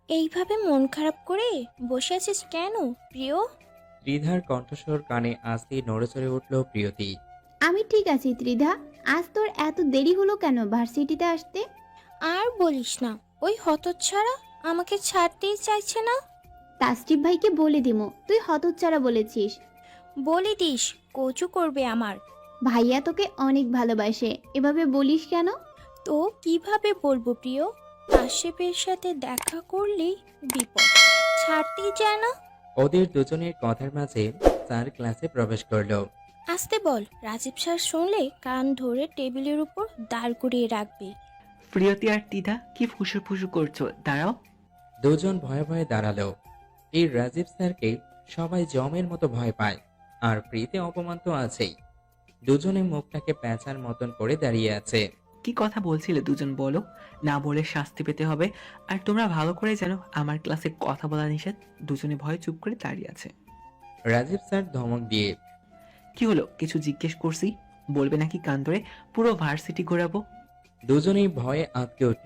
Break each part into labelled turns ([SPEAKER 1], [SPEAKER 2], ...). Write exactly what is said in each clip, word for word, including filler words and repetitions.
[SPEAKER 1] এইভাবে মন খারাপ করে বসে আছিস কেন প্রিয়?
[SPEAKER 2] ত্রিধার কণ্ঠস্বর কানে আসতেই নড়েচড়ে উঠল প্রিয়তি।
[SPEAKER 3] আমি ঠিক আছি ত্রিধা। আজ তোর এত দেরি হলো কেন ভার্সিটিতে আসতে?
[SPEAKER 1] আর বলিস না, ওই হতচ্ছাড়া আমাকে ছাড়তেই চাইছে না।
[SPEAKER 3] তাসটিপ ভাইকে বলে দিমো তুই হতচ্ছাড়া বলেছিস।
[SPEAKER 1] বলে দিস, কচু করবে আমার।
[SPEAKER 3] ভাইয়া তোকে অনেক ভালোবাসে, এভাবে বলিস কেন?
[SPEAKER 1] তো কিভাবে বলবো প্রিয়? আশেপের সাথে দেখা করলেই বিপদ, ছাড়তেই চায় না।
[SPEAKER 2] ওদের দুজনের কথার মাঝে স্যার ক্লাসে প্রবেশ করলো।
[SPEAKER 1] আসতে বল, রাজীব স্যার শুনলে কান ধরে টেবিলের উপর দাঁড় করিয়ে রাখবে।
[SPEAKER 4] প্রিয়তি আর টিদা কি ফুসু ফুসু করছো? দাঁড়াও।
[SPEAKER 2] দুজন ভয়ে ভয়ে দাঁড়ালো। এই রাজীব স্যারকে সবাই জমের মতো ভয় পায়, আর প্রীতি অপমান তো আছেই। দুজনে মুখটাকে প্যাঁচার মতন করে দাঁড়িয়ে আছে।
[SPEAKER 4] কি কথা বলছিলে দুজন বলো? না বলে শাস্তি পেতে হবে। আর তোমরা ভালো করে জানো আমার ক্লাসে কথা বলা নিষেধ। দুজনে ভয়ে চুপ করে দাঁড়িয়ে আছে।
[SPEAKER 2] রাজীব স্যার ধমক দিয়ে,
[SPEAKER 4] কি হলো? কিছু জিজ্ঞেস করছি, বলবে নাকি কান ধরে পুরো ভার্সিটি ঘোরাবো?
[SPEAKER 2] দুজনেই ভয়ে আঁতকে উঠল।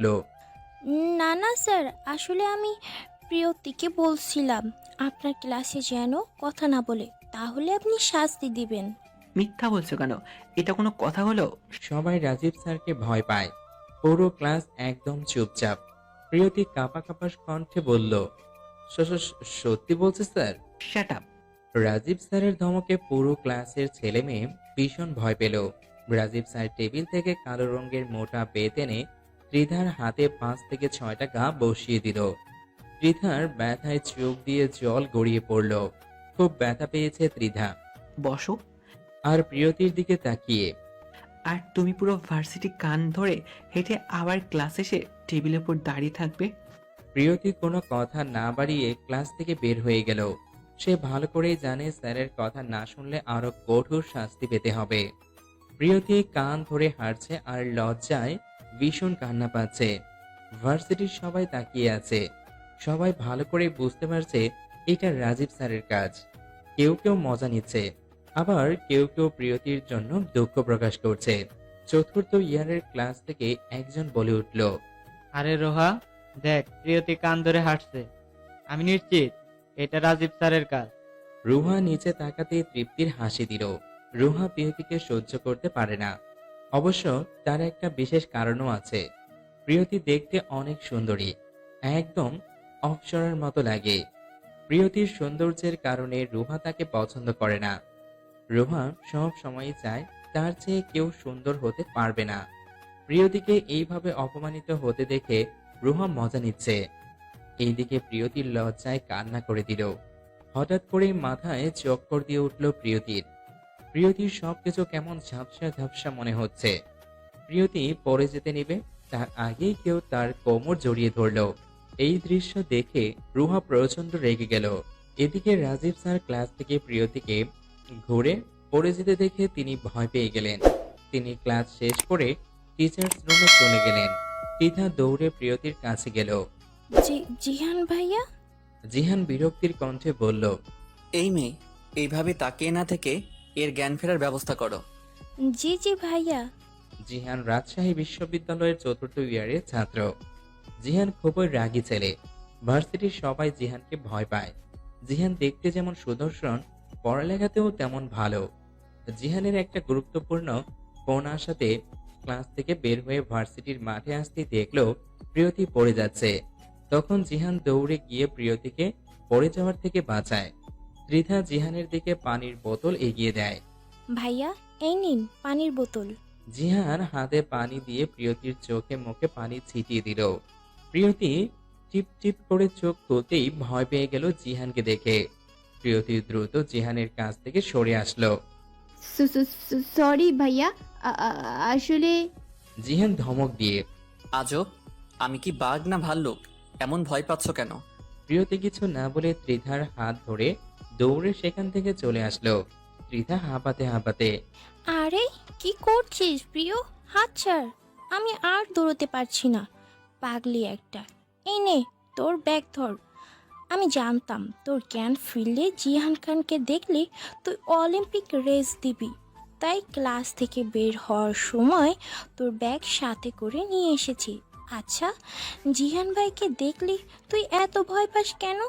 [SPEAKER 1] না না স্যার, আসলে আমি প্রিয়তিকে বলছিলাম আপনার ক্লাসে যেন কথা না বলে, তাহলে আপনি শাস্তি দিবেন।
[SPEAKER 4] মিথ্যা বলছো কেন? এটা কোনো কথা হলো?
[SPEAKER 2] সবাই রাজীব স্যারকে ভয় পায়। পুরো ক্লাস একদম চুপচাপ। প্রিয়তি কাঁপা কাঁপা কণ্ঠে বলল, "স- স- সত্যি বলছে স্যার।"
[SPEAKER 4] Shut up.
[SPEAKER 2] রাজীব স্যারের ধমকে পুরো ক্লাসের ছেলে মেয়ে ভীষণ ভয় পেল। রাজীব স্যার টেবিল থেকে কালো রঙের মোটা বেত এনে ত্রিধার হাতে পাঁচ থেকে ছয়টা গা বসিয়ে দিল। ত্রিধার ব্যথায় চোখ দিয়ে জল গড়িয়ে পড়ল। খুব ব্যথা পেয়েছে ত্রিধা।
[SPEAKER 4] বসো।
[SPEAKER 2] আর প্রিয়তির দিকে তাকিয়ে,
[SPEAKER 4] আর তুমি পুরো ভার্সিটি কান ধরে হেঁটে আবার ক্লাস এসে টেবিলের উপর দাঁড়িয়ে থাকবে?
[SPEAKER 2] প্রিয়তি কোনো কথা না বাড়িয়ে ক্লাস থেকে বের হয়ে গেল। সে ভালো করেই জানে স্যারের কথা না শুনলে আরো কঠোর শাস্তি পেতে হবে। প্রিয়তি কান ধরে হাঁটছে আর লজ্জায় ভীষণ কান্না পাচ্ছে। ভার্সিটির সবাই তাকিয়ে আছে। সবাই ভালো করে বুঝতে পারছে এটা রাজীব স্যারের কাজ। কেউ কেউ মজা নিচ্ছে, আবার কেউ কেউ প্রিয়তির জন্য দুঃখ প্রকাশ করছে। চতুর্থ ইয়ারের ক্লাস থেকে একজন বলে উঠল,
[SPEAKER 5] আরে রোহা, দেখ প্রিয়তি কান ধরে হাঁটছে। আমি নিশ্চিত এটা রাজীব স্যারের কাজ।
[SPEAKER 2] রুহা নিচে তাকাতেই তৃপ্তির হাসি দিল। রুহা প্রিয়তিকে সহ্য করতে পারে না। অবশ্য তার একটা বিশেষ কারণও আছে। প্রিয়তি দেখতে অনেক সুন্দরী, একদম অপ্সরার মতো লাগে। প্রিয়তির সৌন্দর্যের কারণে রুহা তাকে পছন্দ করে না। রুহা সব সময় চায় তার চেয়ে কেউ সুন্দর হতে পারবে না। প্রিয়তিকে এইভাবে অপমানিত হতে দেখে রুহা মজা নিচ্ছে। এইদিকে প্রিয়তির লজ্জায় কান্না করে দিল। হঠাৎ করেই মাথায় চক্কর দিয়ে উঠল প্রিয়তির। প্রিয়তির সবকিছু কেমন ঝাপসা ঝাপসা মনে হচ্ছে। প্রিয়তি পড়ে যেতে নিবে, তার আগেই কেউ তার কোমর জড়িয়ে ধরল। এই দৃশ্য দেখে রুহা প্রচন্ড রেগে গেল। এদিকে রাজীব স্যার ক্লাস থেকে প্রিয়তিকে ঘুরে পড়ে যেতে দেখে তিনি ভয় পেয়ে গেলেন। তিনি ক্লাস শেষ করে টিচার্স রুমে চলে গেলেন। তীথা দৌড়ে প্রিয়তির কাছে গেল।
[SPEAKER 1] জি জিহান ভাইয়া।
[SPEAKER 2] জিহান বিরক্তির কণ্ঠে বলল,
[SPEAKER 6] এই মেয়ে, এইভাবে তাকিয়ে না থেকে এর জ্ঞান ফেরার ব্যবস্থা করো।
[SPEAKER 1] জি জি ভাইয়া।
[SPEAKER 2] জিহান রাজশাহী বিশ্ববিদ্যালয়ের চতুর্থ ইয়ারের ছাত্র। জিহান খুবই রাগী ছেলে। ভার্সিটির সবাই জিহানকে ভয় পায়। জিহান দেখতে যেমন সুদর্শন, পড়ালেখাতেও তেমন ভালো। জিহানের একটা গুরুত্বপূর্ণ ফোন আসাতে ক্লাস থেকে বের হয়ে ভার্সিটির মাঠে আসতেই দেখলো প্রিয়তি পড়ে যাচ্ছে। তখন জিহান দৌড়ে গিয়ে প্রিয়তিকে পড়ে যাওয়ার থেকে বাঁচায়। ত্রিধা জিহানের দিকে পানির বোতল এগিয়ে দেয়।
[SPEAKER 1] ভাইয়া, এই নিন পানির বোতল।
[SPEAKER 2] জিহান হাতে পানি দিয়ে প্রিয়তির চোখে মুখে পানি ছিটিয়ে দিল। প্রিয়তি টিপ টিপ করে চোখ খুলতেই ভয় পেয়ে গেল জিহানকে দেখে। প্রিয়তি দ্রুত জিহানের কাছ থেকে সরে আসলো।
[SPEAKER 3] সরি ভাইয়া, আ- আ- আসলে
[SPEAKER 2] জিহান ধমক দিয়ে,
[SPEAKER 6] আজব, আমি কি বাঘ না ভাল্লুক? এমন ভয় পাচ্ছ কেন?
[SPEAKER 2] প্রিয়তি কিছু না বলে ত্রিধার হাত ধরে দৌড়ে সেখান থেকে চলে আসলো। ত্রিধা হাঁপাতে হাঁপাতে,
[SPEAKER 1] আরে কি করছিস প্রিয়? হাত ছাড়, আমি আর দৌড়তে পারছি না। পাগলি একটা। এই নে তোর ব্যাগ ধর। আমি জানতাম তোর জ্ঞান ফিরলে জিহান খানকে দেখলে তুই অলিম্পিক রেস দিবি, তাই ক্লাস থেকে বের হওয়ার সময় তোর ব্যাগ সাথে করে নিয়ে এসেছি। আচ্ছা, জিহান ভাইকে দেখলি তুই এত ভয় পাস কেন?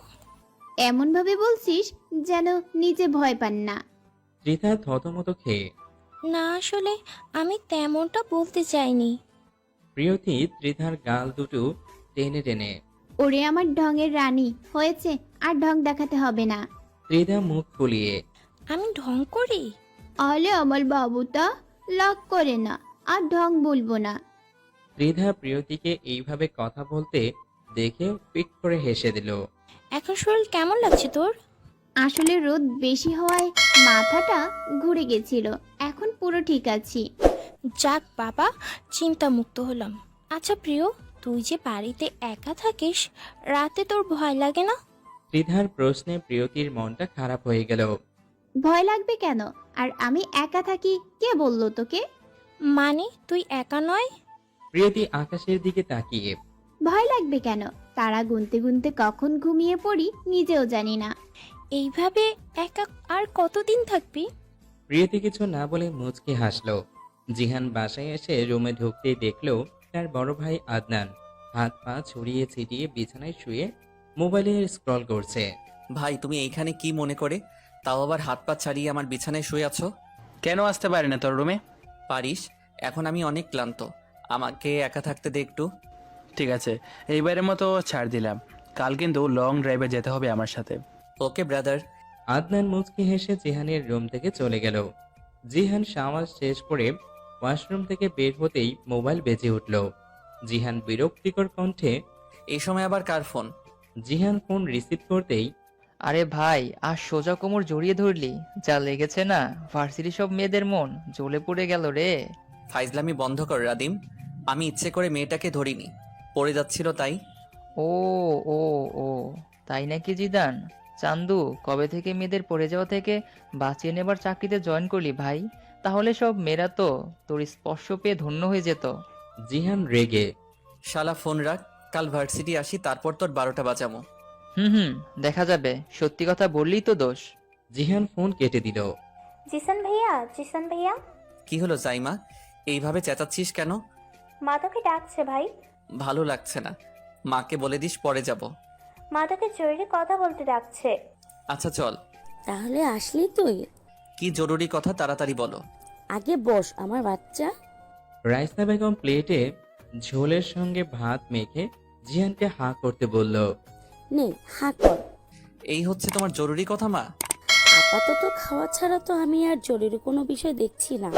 [SPEAKER 3] এমনভাবে বলছিস যেন নিজে ভয় পান না।
[SPEAKER 2] ত্রিধা থতমত খেয়ে।
[SPEAKER 1] না, আসলে আমি তেমনটা বলতে চাইনি।
[SPEAKER 2] প্রিয়তি ত্রিধার গাল দুটো টেনে টেনে।
[SPEAKER 3] ওরে আমার ঢঙের রানী হয়েছে, আর ঢং দেখাতে হবে না।
[SPEAKER 2] ত্রিধা মুখ ফুলিয়ে।
[SPEAKER 1] আমি ঢং করি?
[SPEAKER 3] আলে আমার বাবুটা লাগ করে না, আর ঢং বলবো না।
[SPEAKER 2] ত্রিধা প্রিয়তিকে এইভাবে কথা বলতে দেখে পিট করে হেসে দিল।
[SPEAKER 1] এখন শরীর কেমন লাগছে তোর?
[SPEAKER 3] আসলে রোদ বেশি হওয়ায় মাথাটা ঘুরে গেছিল, এখন পুরো ঠিক আছি।
[SPEAKER 1] যাক বাবা, চিন্তামুক্ত হলাম। আচ্ছা প্রিয়, তুই যে বাড়িতে একা থাকিস, রাতে তোর ভয় লাগে না?
[SPEAKER 2] ত্রিধার প্রশ্নে প্রিয়তির মনটা খারাপ হয়ে গেল।
[SPEAKER 3] ভয় লাগবে কেন? আর আমি একা থাকি কে বললো তোকে?
[SPEAKER 1] মানে তুই একা নয়?
[SPEAKER 2] প্রিয়তি আকাশের দিকে তাকিয়ে।
[SPEAKER 3] ভয় লাগবে কেন? তারা গুনতে গুনতে কখন ঘুমিয়ে পড়ি নিজেও জানি না।
[SPEAKER 1] এইভাবে একা আর কতদিন থাকবি?
[SPEAKER 2] প্রিয়তি কিছু না বলে মুচকি হাসলো। জিহান বাসায় এসে রুমে ঢুকতেই দেখলো তার বড় ভাই আদনান হাত পা ছড়িয়ে ছিটিয়ে বিছানায় শুয়ে মোবাইলে স্ক্রল করছে।
[SPEAKER 6] ভাই তুমি এইখানে কি মনে করে, তাও আবার হাত পা ছাড়িয়ে আমার বিছানায় শুয়ে আছো?
[SPEAKER 7] কেন আসতে পারি না তোর রুমে?
[SPEAKER 6] পারিস, এখন আমি অনেক ক্লান্ত, আমাকে একা থাকতে দে একটু।
[SPEAKER 7] ঠিক আছে, এইবারের মতো ছাড় দিলাম। কাল কিন্তু লং ড্রাইভে যেতে হবে আমার সাথে।
[SPEAKER 6] ওকে ব্রাদার।
[SPEAKER 2] আদনান মুচকি হেসে জিহানের রুম থেকে চলে গেল। জিহান শাওয়ার শেষ করে ওয়াশরুম থেকে বের হতেই মোবাইল বেজে উঠল। জিহান বিরক্তিকর কণ্ঠে।
[SPEAKER 6] এই সময় আবার কার ফোন?
[SPEAKER 2] জিহান ফোন রিসিভ করতেই।
[SPEAKER 8] আরে ভাই, আর সোজা কোমর জড়িয়ে ধরলি, যা লেগেছে না, ভার্সিটি সব মেয়েদের মন জ্বলে পড়ে গেল রে।
[SPEAKER 6] ফাইজলামি বন্ধ কর রাদিম, আমি ইচ্ছে করে মেয়েটাকে ধরিনি, পড়ে যাচ্ছিল তাই।
[SPEAKER 8] ও ও ও তাই নাকি জিদান? চান্দু, কবে থেকে মেয়েদের পড়ে যাওয়া থেকে বাঁচিয়ে নেবার চাকরিতে জয়েন করলি ভাই? তাহলে সব মেয়েরা তো তোর স্পর্শ পেয়ে ধন্য হয়ে যেত।
[SPEAKER 2] জিহান রেগে।
[SPEAKER 6] শালা ফোন রাখ, কাল ভার্সিটি আসি, তারপর তোর বারোটা বাজামো।
[SPEAKER 8] হুম হুম দেখা যাবে, সত্যি কথা বললেই তো দোষ।
[SPEAKER 2] জিহান ফোন কেটে দিল।
[SPEAKER 9] জিসান ভাইয়া, জিসান ভাইয়া।
[SPEAKER 6] কি হলো জাইমা, এইভাবে চেঁচাচ্ছিস কেন?
[SPEAKER 9] মা তোকে ডাকছে ভাই।
[SPEAKER 6] ভালো লাগছে না, মাকে বলে দিস পরে যাব।
[SPEAKER 9] মা তোকে জরুরি কথা বলতে ডাকছে।
[SPEAKER 6] আচ্ছা চল।
[SPEAKER 10] তাহলে আসলি তুই?
[SPEAKER 6] কি জরুরি কথা তাড়াতাড়ি বলো।
[SPEAKER 10] আগে বস আমার বাচ্চা।
[SPEAKER 2] রাইসা বেগম প্লেটে ঝোলের সঙ্গে ভাত মেখে জিহানকে হাঁ করতে বলল।
[SPEAKER 10] নে হা কর।
[SPEAKER 6] এই হচ্ছে তোমার জরুরি কথা মা?
[SPEAKER 10] আপাতত খাওয়া ছাড়া তো আমি আর জরুরি কোনো বিষয় দেখছি না।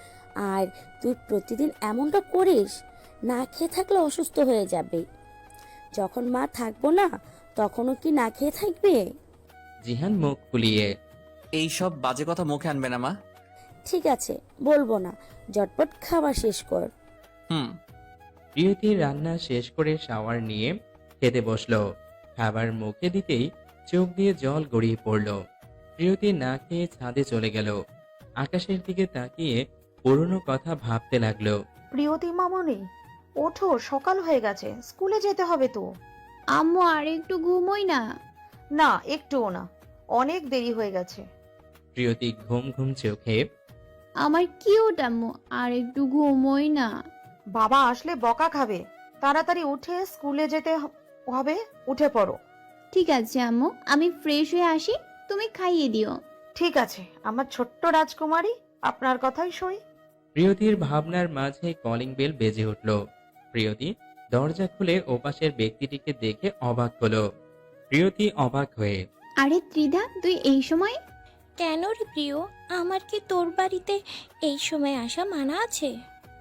[SPEAKER 10] আর তুই প্রতিদিন এমনটা করিস, না খেয়ে থাকলে অসুস্থ হয়ে যাবে। যখন মা থাকবো না তখনও কি না খেয়ে থাকবে?
[SPEAKER 2] জিহান মুখ ফুলিয়ে।
[SPEAKER 6] এই সব বাজে কথা মুখে আনবে না মা।
[SPEAKER 10] ঠিক আছে, বলবো না, ঝটপট খাওয়া শেষ কর।
[SPEAKER 6] হুম।
[SPEAKER 2] প্রিয়তি রান্না শেষ করে শাওয়ার নিয়ে খেতে বসলো। খাবার মুখে দিতেই চোখ দিয়ে জল গড়িয়ে পড়ল। প্রিয়তি না খেয়ে ছাদে চলে গেল। আকাশের দিকে তাকিয়ে পুরনো কথা ভাবতে লাগলো।
[SPEAKER 11] প্রিয়তি মামনি, ওঠো, সকাল হয়ে গেছে, স্কুলে যেতে হবে তো।
[SPEAKER 3] আম্মু আর একটু ঘুমোই না।
[SPEAKER 11] না, একটুও না, অনেক দেরি হয়ে গেছে।
[SPEAKER 2] প্রিয়তি ঘুম ঘুম চোখে।
[SPEAKER 3] আমার কিউট আম্মু, আর একটু ঘুমোই না।
[SPEAKER 11] বাবা আসলে বকা খাবে, তাড়াতাড়ি উঠে স্কুলে যেতে হ- হবে, উঠে পড়ো।
[SPEAKER 3] ঠিক আছে আম্মু, আমি ফ্রেশ হয়ে আসি, তুমি খাইয়ে দিও।
[SPEAKER 11] ঠিক আছে আমার ছোট্ট রাজকুমারী, আপনার কথাই সই।
[SPEAKER 2] প্রিয়তির ভাবনার মাঝে কলিং বেল বেজে উঠল। প্রিয়তি দরজা খুলে ওপাশের ব্যক্তিটিকে দেখে অবাক হলো। প্রিয়তি অবাক হয়ে।
[SPEAKER 3] আরে ত্রিধা, তুই এই সময়?
[SPEAKER 1] কেন রে প্রিয়, আমার কি তোর বাড়িতে এই সময় আসা মানা আছে?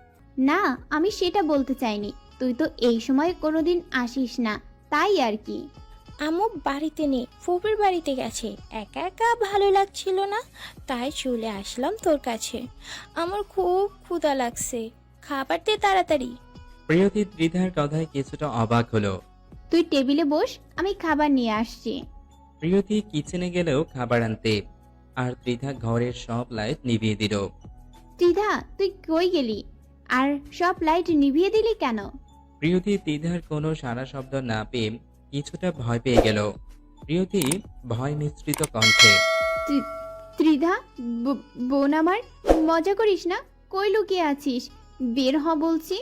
[SPEAKER 3] না, আমি সেটা বলতে চাইনি, তুই তো এই সময় কোনোদিন আসিস না, তাই আর কি।
[SPEAKER 1] আম্মু বাড়িতে নেই, ফুপির বাড়িতে গেছে, একা একা ভালো লাগছিল না, তাই চলে আসলাম তোর কাছে। আমার খুব ক্ষুধা লাগছে, খাবার দে তাড়াতাড়ি।
[SPEAKER 2] প্রিয়তি ত্রিধার কথায় কিছুটা অবাক হলো।
[SPEAKER 3] তুই টেবিলে বস, আমি খাবার নিয়ে আসছি।
[SPEAKER 2] প্রিয়তি কিচেনে গেলেও খাবার আনতে, আর ত্রিধা ঘরের সব লাইট নিভিয়ে দিল।
[SPEAKER 3] ত্রিধা, তুই কই গেলি? আর সব লাইট নিভিয়ে দিলি কেন?
[SPEAKER 2] প্রিয়তি ত্রিধার কোনো সারা শব্দ না পেয়ে কিছুটা ভয় পেয়ে গেল। প্রিয়তি ভয় মিশ্রিত কণ্ঠে।
[SPEAKER 3] ত্রি- ত্রিধা, ব- বোন আমার, মজা করিস না, কই লুকিয়ে আছিস? বের হ বলছি।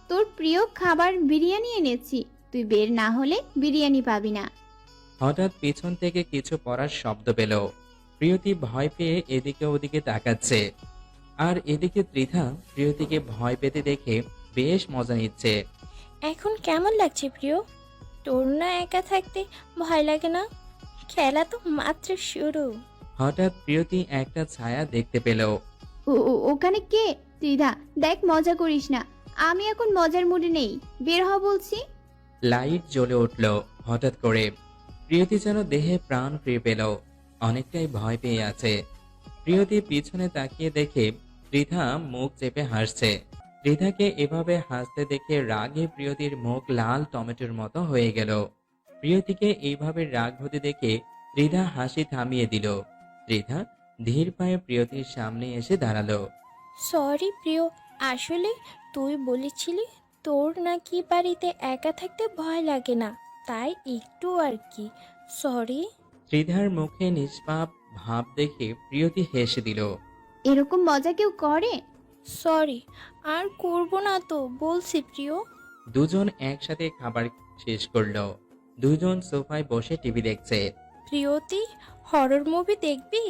[SPEAKER 3] তোর প্রিয় খাবার বিরিয়ানি এনেছি, তুই বের না হলে বিরিয়ানি পাবি না।
[SPEAKER 2] হঠাৎ পিছন থেকে কিছু পড়ার শব্দ পেল। প্রিয়তি ভয় পেয়ে এদিকে ওদিকে তাকাচ্ছে, আর এদিকে ত্রিধা প্রিয়তিকে ভয় পেতে দেখে বেশ মজা নিচ্ছে।
[SPEAKER 1] এখন কেমন লাগছে প্রিয়? তোর না একা থাকতে ভয় লাগে না? খেলা তো মাত্র শুরু।
[SPEAKER 2] হঠাৎ প্রিয়তি একটা ছায়া দেখতে পেল।
[SPEAKER 3] ও ও- ওখানে কে? ত্রিধা দেখ, মজা করিস না, আমি এখন মজার মুডে নেই, বের হ বলছি।
[SPEAKER 2] লাইট জ্বলে উঠল হঠাৎ করে। প্রিয়তি যেন দেহে প্রাণ ফিরে পেল, অনেকটাই ভয় পেয়ে আছে। প্রিয়তি পিছনে তাকিয়ে দেখে ত্রিধা মুখ চেপে হাসছে। ত্রিধাকে এভাবে হাসতে দেখে রাগে প্রিয়তির মুখ লাল টমেটোর মতো হয়ে গেল। প্রিয়তিকে এইভাবে রাগ হতে দেখে ত্রিধা হাসি থামিয়ে দিল। ত্রিধা ধীর পায়ে প্রিয়তির সামনে এসে দাঁড়ালো।
[SPEAKER 1] সরি প্রিয়, আসলে তুই বলেছিলি তোর নাকি বাড়িতে একা থাকতে ভয় লাগে না, তাই একটু আর কি। সরি।
[SPEAKER 2] ত্রিধার মুখে নিষ্পাপ ভাব দেখে প্রিয়তি হেসে দিল।
[SPEAKER 3] এরকম মজা কেউ করে?
[SPEAKER 1] সরি, আর করব না তো বলছি প্রিয়।
[SPEAKER 2] দুজন একসাথে খাবার শেষ করলো। দুজন সোফায় বসে টিভি দেখছে।
[SPEAKER 1] প্রিয়তি, হরর মুভি দেখবি?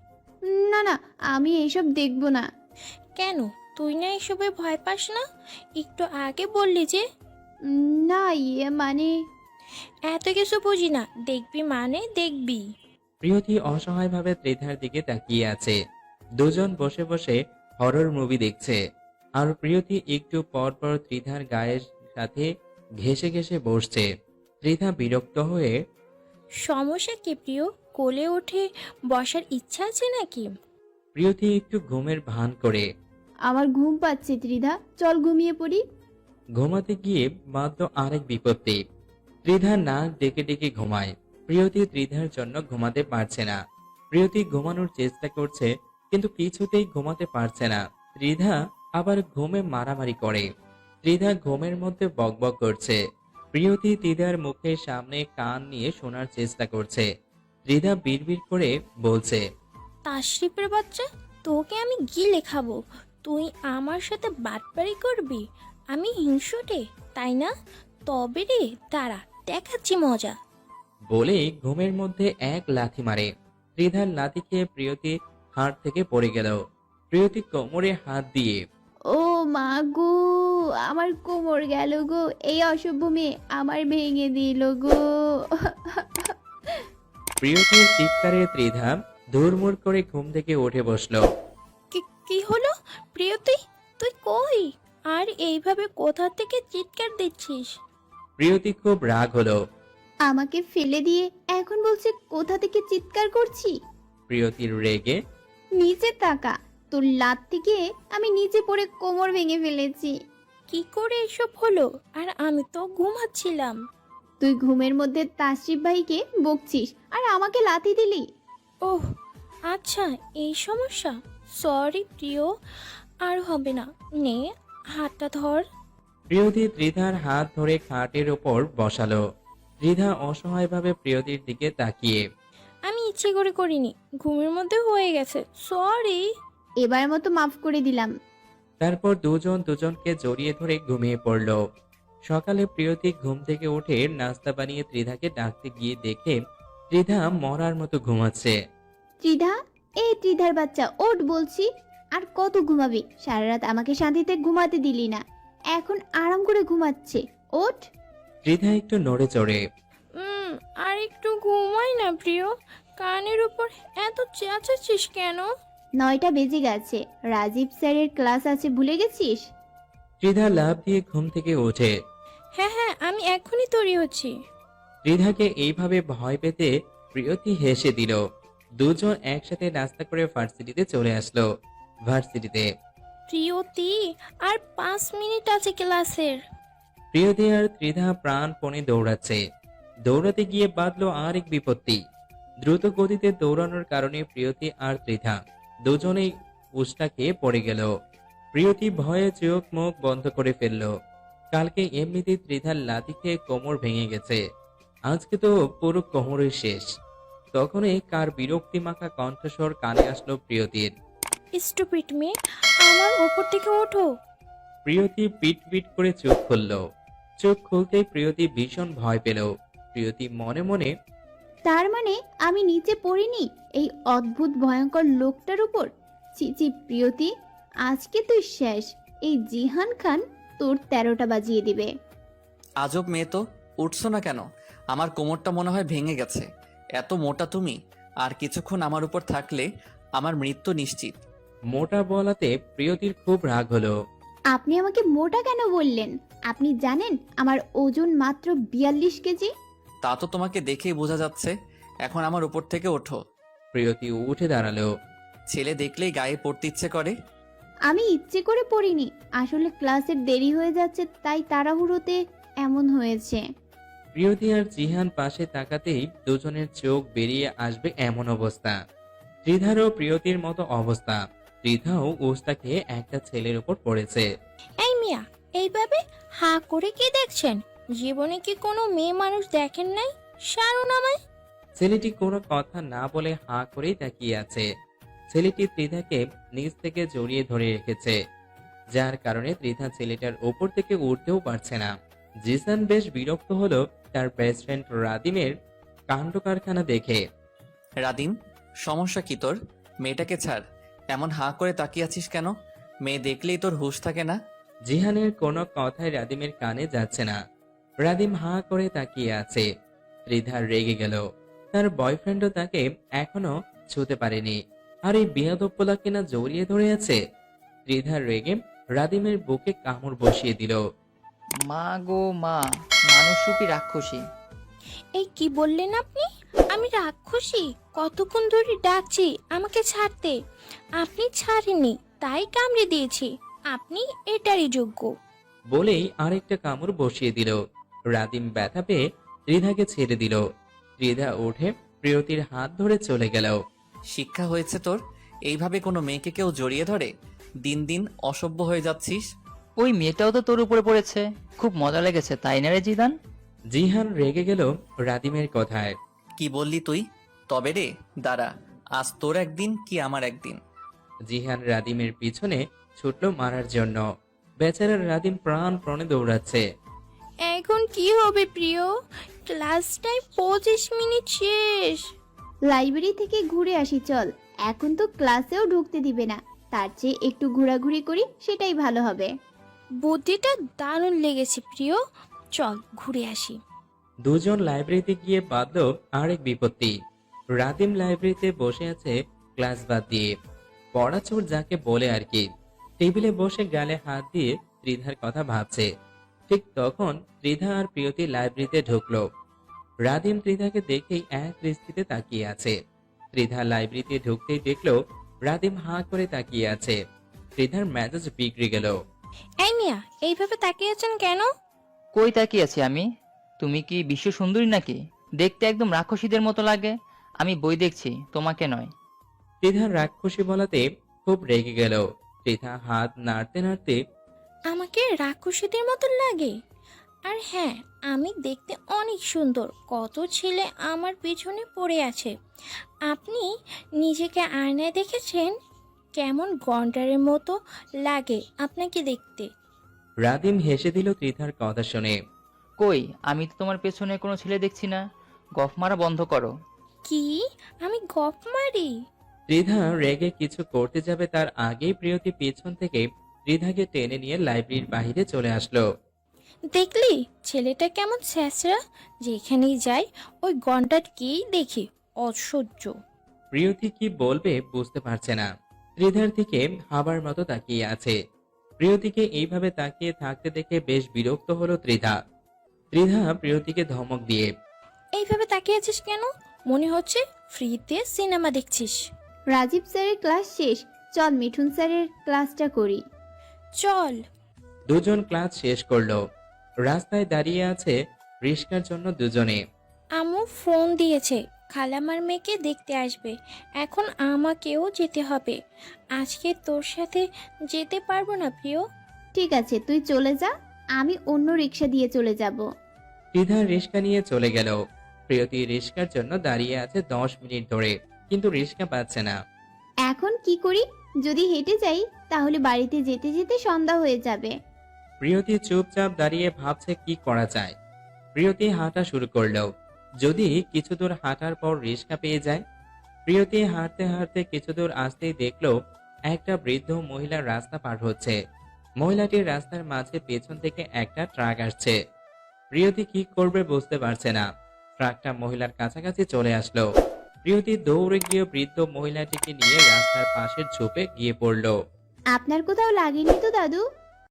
[SPEAKER 3] না না, আমি এইসব দেখবো না।
[SPEAKER 1] কেন, তুই না এসবে ভয় পাস না? একটু আগে বললি যে।
[SPEAKER 3] উম, না ইয়ে মানে
[SPEAKER 1] এত কিছু বুঝি না, দেখবি মানে দেখবি।
[SPEAKER 2] প্রিয়তি অসহায়ভাবে ত্রিধার দিকে তাকিয়ে আছে। দুজন বসে বসে হরর মুভি দেখছে, আর প্রিয়তি একটু পর পর ত্রিধার গায়ের সাথে ঘেঁষে ঘেঁষে বসছে। ত্রিধা বিরক্ত হয়ে,
[SPEAKER 1] সমস্যা কি প্রিয়? কোলে উঠে বসার ইচ্ছা আছে নাকি?
[SPEAKER 2] প্রিয়তি একটু ঘুমের ভান করে।
[SPEAKER 3] আমার ঘুম পাচ্ছে ত্রিধা, চল ঘুমিয়ে পড়ি।
[SPEAKER 2] ঘুমাতে গিয়ে বাঁধল আরেক বিপত্তি। ত্রিধা নাক ডেকে ডেকে ঘুমায়। প্রিয়তি ত্রিধার জন্য ঘুমাতে পারছে না। প্রিয়তি ঘুমানোর চেষ্টা করছে, কিন্তু কিছুতেই ঘুমাতে পারছে না। ত্রিধা আবার ঘুমে মারামারি করে। ত্রিধা ঘুমের মধ্যে বকবক করছে। প্রিয়তি ত্রিধার মুখের সামনে কান নিয়ে শোনার চেষ্টা করছে। ত্রিধা বিড়বিড় করে বলছে,
[SPEAKER 1] তাশরিফের বাচ্চা, তোকে আমি গিলে খাবো। তুই আমার সাথে বাটপারি করবি? আমি হিংসুটে, তাই না? তবে রে দাঁড়া, দেখাচ্ছি মজা।
[SPEAKER 2] বলে ঘুমের মধ্যে এক লাথি মারে। ত্রিধার লাথি খেয়ে প্রিয়তি হাত থেকে পড়ে গেল। প্রিয়তি কোমরে হাত দিয়ে,
[SPEAKER 3] ও মা গো, আমার কোমর গেল গো, এই অসভ্য মেয়ে আমার ভেঙে দিল গো।
[SPEAKER 2] প্রিয়তির চিৎকারে ত্রিধা ধুরমুর করে ঘুম থেকে উঠে বসলো।
[SPEAKER 1] কি কি হলো প্রিয়তি, তুই কই? আর এইভাবে কোথা থেকে চিৎকার দিচ্ছিস?
[SPEAKER 2] প্রিয়তি খুব রাগ হলো।
[SPEAKER 3] আমাকে ফেলে দিয়ে এখন বলছে কোথা থেকে চিৎকার করছি।
[SPEAKER 2] প্রিয়তির রেগে,
[SPEAKER 3] নিচে তাকা, তোর লাত থেকে আমি নিচে পড়ে কোমর ভেঙে ফেলেছি।
[SPEAKER 1] কি করে এসব হলো? আর আমি তো ঘুমাচ্ছিলাম।
[SPEAKER 3] তুই ঘুমের মধ্যে তাশরিফ ভাইকে বকছিস আর আমাকে লাথি দিলি।
[SPEAKER 1] ওহ আচ্ছা, এই সমস্যা। সরি প্রিয়, আর হবে না। নে হাতটা ধর।
[SPEAKER 2] প্রিয়তি ত্রিধার হাত ধরে খাটের ওপর বসালো। ত্রিধা অসহায়ভাবে প্রিয়তির দিকে তাকিয়ে,
[SPEAKER 1] আমি ইচ্ছে করে করিনি, ঘুমের মধ্যে হয়ে গেছে, সরি।
[SPEAKER 3] এবার মতো মাফ করে দিলাম।
[SPEAKER 2] তারপর দুজন দুজনকে জড়িয়ে ধরে ঘুমিয়ে পড়ল। সকালে প্রিয়তি ঘুম থেকে উঠে নাস্তা বানিয়ে ত্রিধাকে ডাকতে গিয়ে দেখে ত্রিধা মরার মতো ঘুমাচ্ছে।
[SPEAKER 3] ত্রিধা, এই ত্রিধার বাচ্চা ওঠ বলছি। আর কত ঘুমাবি? সারা রাত আমাকে শান্তিতে ঘুমাতে দিলি না, এখন আরাম করে ঘুমাচ্ছে, ওঠ।
[SPEAKER 2] ত্রিধা একটু নড়ে চড়ে,
[SPEAKER 1] উম আর একটু ঘুমাই না প্রিয়, কানের উপর এত চেঁচাচ্ছিস কেন?
[SPEAKER 3] নয়টা বেজে গেছে, রাজীব স্যারের ক্লাস আছে, ভুলে গেছিস?
[SPEAKER 2] ত্রিধা লাফ দিয়ে ঘুম থেকে ওঠে।
[SPEAKER 1] হ্যাঁ হ্যাঁ, আমি এখনই তৈরি হচ্ছি।
[SPEAKER 2] ত্রিধাকে এইভাবে ভয় পেতে প্রিয়তি হেসে দিল। দুজন একসাথে নাস্তা করে ভার্সিটিতে চলে আসলো। ভার্সিটিতে
[SPEAKER 1] প্রিয়তি, আর পাঁচ মিনিট আছে ক্লাসের।
[SPEAKER 2] প্রিয়তি আর ত্রিধা প্রাণপণে দৌড়াচ্ছে। দৌড়াতে গিয়ে বাঁধলো আরেক বিপত্তি। দ্রুত গতিতে দৌড়ানোর কারণে প্রিয়তি আর ত্রিধা দুজনেই উষ্টা খেয়ে পড়ে গেল। প্রিয়তি ভয়ে চোখ মুখ বন্ধ করে ফেলল। কালকে এমনিতেই ত্রিধার লাথি খেয়ে কোমর ভেঙে গেছে, আজকে তো পুরো কোমরের শেষ। তখনই কার বিরক্তি মাখা কণ্ঠস্বর কানে আসলো প্রিয়তির।
[SPEAKER 1] স্টুপিড মেয়ে, আমার উপর থেকে ওঠো।
[SPEAKER 2] প্রিয়তি পিট পিট করে চোখ খুলল। চোখ খুলতেই প্রিয়তি ভীষণ ভয় পেল। প্রিয়তি মনে মনে,
[SPEAKER 3] তার মানে আমি নিচে পড়িনি এই অদ্ভুত ভয়ঙ্কর লোকটার উপর। চিচি প্রিয়তি, আজকে তুই শেষ। এই জিহান খান তোর তেরোটা বাজিয়ে দিবে।
[SPEAKER 6] আজব মেয়ে তো, উঠছো না কেন? আমার কোমরটা মনে হয় ভেঙে গেছে। এত মোটা তুমি, আর কিছুক্ষণ আমার উপর থাকলে আমার মৃত্যু নিশ্চিত।
[SPEAKER 2] মোটা বলাতে প্রিয়তির খুব রাগ হলো।
[SPEAKER 3] আপনি আমাকে মোটা কেন বললেন? আপনি জানেন আমার ওজন মাত্র বিয়াল্লিশ কেজি।
[SPEAKER 6] তা তো তোমাকে দেখেই বোঝা যাচ্ছে। এখন আমার উপর থেকে ওঠো।
[SPEAKER 2] প্রিয়তি উঠে দাঁড়ালো।
[SPEAKER 6] ছেলে দেখলেই গায়ে পড়তে ইচ্ছে করে।
[SPEAKER 3] আমি ইচ্ছে করে পড়িনি, আসলে ক্লাসের দেরি হয়ে যাচ্ছে তাই তাড়াহুড়োতে এমন হয়েছে।
[SPEAKER 2] প্রিয়তি আর জিহান পাশে তাকাতেই দুজনের চোখ বেরিয়ে আসবে এমন অবস্থা। ত্রিধারও প্রিয়তির মতো অবস্থা। ত্রিধাও উস্তা খেয়ে একটা ছেলের উপর পড়েছে।
[SPEAKER 1] এই মিয়া, এইভাবে হা করে কি দেখছেন? জীবনে কি কোনো মেয়ে মানুষ দেখেন নাই? সারুন আমায়।
[SPEAKER 2] ছেলেটি কোনো কথা না বলে হাঁ করেই তাকিয়ে আছে। ছেলেটি ত্রিধাকে নিচ থেকে জড়িয়ে ধরে রেখেছে, যার কারণে ত্রিধা ছেলেটার ওপর থেকে উঠতেও পারছে না। জিসান বেশ বিরক্ত হলো তার বেস্ট ফ্রেন্ড রাদিমের কাণ্ড কারখানা দেখে।
[SPEAKER 6] রাদিম, সমস্যা কি তোর? মেয়েটাকে ছাড়। এমন হাঁ করে তাকিয়ে আছিস কেন? মেয়ে দেখলেই তোর হুঁশ থাকে না?
[SPEAKER 2] জিহানের কোনো কথাই রাদিমের কানে যাচ্ছে না। রাদিম হাঁ করে তাকিয়ে আছে। ত্রিধা রেগে গেল। তার বয়ফ্রেন্ডও তাকে এখনো ছুতে পারেনি, আর এই বিয়াদপ্পলা কিনা জড়িয়ে ধরে আছে। ত্রিধা রেগে রাদিমের বুকে কামড় বসিয়ে দিল।
[SPEAKER 8] মা গো মা, মানুষ রূপী রাক্ষসী।
[SPEAKER 1] এই কি বললেন আপনি? আমি রাক্ষসী? কতক্ষণ ধরে ডাকছি আমাকে ছাড়তে, আপনি ছাড়েননি তাই কামড়ে দিয়েছি। আপনি এটারই যোগ্য।
[SPEAKER 2] বলেই আরেকটা কামড় বসিয়ে দিল। রাদিম ব্যথা পেয়ে ত্রিধাকে ছেড়ে দিল। ত্রিধা উঠে প্রিয়তির হাত ধরে চলে গেল।
[SPEAKER 6] শিক্ষা হয়েছে তোর? এইভাবে কোনো মেয়েকে কেউ জড়িয়ে ধরে? দিন দিন অসভ্য হয়ে যাচ্ছিস।
[SPEAKER 8] ওই মেয়েটাও তো তোর উপরে পড়েছে, খুব মজা লেগেছে তাই না রে জিদান?
[SPEAKER 2] জিহান রেগে গেল রাদিমের কথায়।
[SPEAKER 6] কি বললি তুই? তবে রে, দাঁড়া, আজ তোর একদিন কি আমার একদিন।
[SPEAKER 2] জিহান রাদিমের পিছনে ছুটল মারার জন্য। বেচারা রাদিম প্রাণ প্রণে দৌড়াচ্ছে।
[SPEAKER 1] এখন কি হবে প্রিয়? ক্লাস টাইম পঁচিশ মিনিট শেষ।
[SPEAKER 3] লাইব্রেরি থেকে ঘুরে আসি চল। এখন তো ক্লাসেও ঢুকতে দিবে না, তার চেয়ে একটু ঘোরাঘুরি করি, সেটাই ভালো হবে।
[SPEAKER 1] বুদ্ধিটা দারুণ লেগেছে প্রিয়, চল ঘুরে আসি।
[SPEAKER 2] দুজন লাইব্রেরিতে গিয়ে বাঁধল আরেক বিপত্তি। রাদিম লাইব্রেরিতে বসে আছে ক্লাস বাদ দিয়ে, পড়াচোর যাকে বলে আর কি। টেবিলে বসে গালে হাত দিয়ে ত্রিধার কথা ভাবছে। ঠিক তখন ত্রিধা আর প্রিয়তি লাইব্রেরিতে ঢুকলো। রাদিম ত্রিধাকে দেখেই এক দৃষ্টিতে তাকিয়ে আছে। ত্রিধা লাইব্রেরিতে ঢুকতেই দেখলো রাদিম হাঁ করে তাকিয়ে আছে। ত্রিধার মেজাজ বিগড়ে গেল।
[SPEAKER 1] এই মিয়া, এইভাবে তাকিয়ে আছেন কেন?
[SPEAKER 8] কই তাকিয়ে আছি আমি? তুমি কি বিশ্ব সুন্দরী নাকি? দেখতে একদম রাক্ষসীদের মতো লাগে। আমি বই দেখছি, তোমাকে নয়।
[SPEAKER 2] ত্রিধার রাক্ষসী বলাতে খুব রেগে গেল। ত্রিধা হাত নাড়তে নাড়তে,
[SPEAKER 1] আমাকে রাক্ষসীদের মতো লাগে? আর হ্যাঁ, আমি দেখতে অনেক সুন্দর। কত ছেলে আমার পেছনে পড়ে আছে। আপনি নিজেকে আয়নায় দেখেছেন? কেমন গন্ডারের মতো লাগে আপনাকে দেখতে।
[SPEAKER 2] রাদিম হেসে দিল ত্রিধার কথা শুনে।
[SPEAKER 8] কই, আমি তো তোমার পেছনে কোনো ছেলে দেখছি না। গফ মারা বন্ধ করো।
[SPEAKER 1] কি? আমি গপ মারি?
[SPEAKER 2] ত্রিধা রেগে কিছু করতে যাবে তার আগেই প্রিয়তি পেছন থেকে ত্রিধাকে টেনে নিয়ে লাইব্রেরির বাইরে চলে আসলো।
[SPEAKER 1] দেখলি ছেলেটা কেমন ছ্যাঁচড়া? যেখানেই যাই ওই গন্ডারকেই দেখি। অসহ্য।
[SPEAKER 2] প্রিয়তি কি বলবে বুঝতে পারছে না। ত্রিধার দিকে হাবার মতো তাকিয়ে আছে। প্রিয়তিকে এইভাবে তাকিয়ে থাকতে দেখে বেশ বিরক্ত হলো ত্রিধা। ত্রিধা প্রিয়তিকে ধমক দিয়ে,
[SPEAKER 1] এইভাবে তাকিয়ে আছিস কেন? মনে হচ্ছে ফ্রিতে সিনেমা দেখছিস।
[SPEAKER 3] রাজীব স্যারের ক্লাস শেষ, চল মিঠুন স্যারের ক্লাসটা করি।
[SPEAKER 1] চল।
[SPEAKER 2] দুজন ক্লাস শেষ করলো। রাস্তায় দাঁড়িয়ে আছে রিস্কার জন্য দুজনে।
[SPEAKER 1] আম্মু ফোন দিয়েছে, খালামার মেয়েকে দেখতে আসবে। এখন আমাকেও যেতে হবে। আজকে তোর সাথে যেতে পারবো না প্রিয়।
[SPEAKER 3] ঠিক আছে, তুই চলে যা, আমি অন্য রিক্সা দিয়ে চলে যাব।
[SPEAKER 2] ত্রিধা রিস্কা নিয়ে চলে গেল। প্রিয়তি রিস্কার জন্য দাঁড়িয়ে আছে দশ মিনিট ধরে, কিন্তু রিস্কা পাচ্ছে না।
[SPEAKER 3] এখন কি করি? যদি হেঁটে যাই তাহলে বাড়িতে যেতে যেতে সন্ধ্যা হয়ে যাবে।
[SPEAKER 2] প্রিয়তি চুপচাপ দাঁড়িয়ে ভাবছে কি করা যায়। প্রিয়তি হাঁটা শুরু করলো। যদি কিছু দূর হাঁটার পর রিস্কা পেয়ে যায়। প্রিয়তি হাঁটতে হাঁটতে কিছু দূর আসতেই দেখলো একটা বৃদ্ধ মহিলা রাস্তা পার হচ্ছে। মহিলাটির রাস্তার মাঝে পেছন থেকে একটা ট্রাক আসছে। প্রিয়তি কি করবে বুঝতে পারছে না। ট্রাকটা মহিলার কাছাকাছি চলে আসলো। প্রিয়তি দৌড়ে গিয়ে বৃদ্ধ মহিলাটিকে নিয়ে রাস্তার পাশের ঝোপে গিয়ে পড়লো।
[SPEAKER 3] আপনার কোথাও লাগেনি তো দাদু?